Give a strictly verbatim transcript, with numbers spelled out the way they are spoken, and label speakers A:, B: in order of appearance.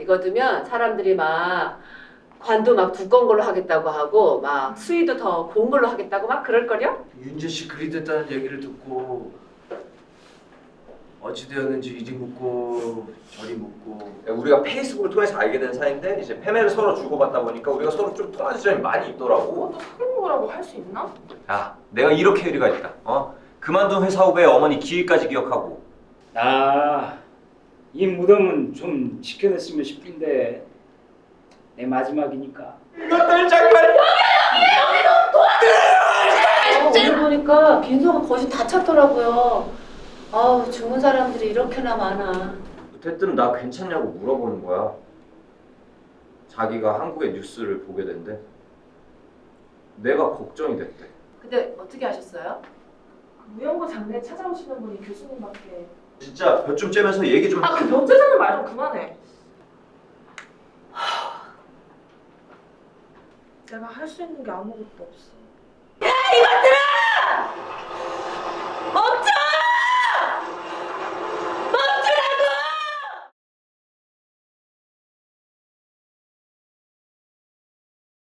A: 이거 두면 사람들이 막 관도 막 두꺼운 걸로 하겠다고 하고 막 수위도 더 고운 걸로 하겠다고 막 그럴걸요?
B: 윤재 씨 그리 됐다는 얘기를 듣고 어찌 되었는지 이리 묻고 저리 묻고.
C: 우리가 페이스북을 통해서 알게 된 사이인데 이제 패매를 서로 주고받다 보니까 우리가 서로 좀 통하는 지점이 많이 있더라고.
D: 그것도 사귀는 할 수 있나?
C: 야, 내가 이렇게 의리가 있다. 어? 그만둔 회사 후배 어머니 기일까지 기억하고.
E: 아, 이 무덤은 좀 지켜냈으면 싶은데 내 마지막이니까.
C: 이것들 정말.
A: 어, 오늘 보니까 빈소가 거의 다 찼더라고요. 아우 죽은 사람들이 이렇게나 많아.
C: 대뜸 나 괜찮냐고 물어보는 거야. 자기가 한국의 뉴스를 보게 된대. 내가 걱정이 됐대.
A: 근데 어떻게 하셨어요?
D: 무연고 장례에 찾아오시는 분이 교수님밖에.
C: 진짜 몇 좀 째면서 얘기 좀.
D: 아, 그 면제자는 말 좀 그만해. 내가 할 수 있는 게 아무것도 없어.
A: 야 이것들아!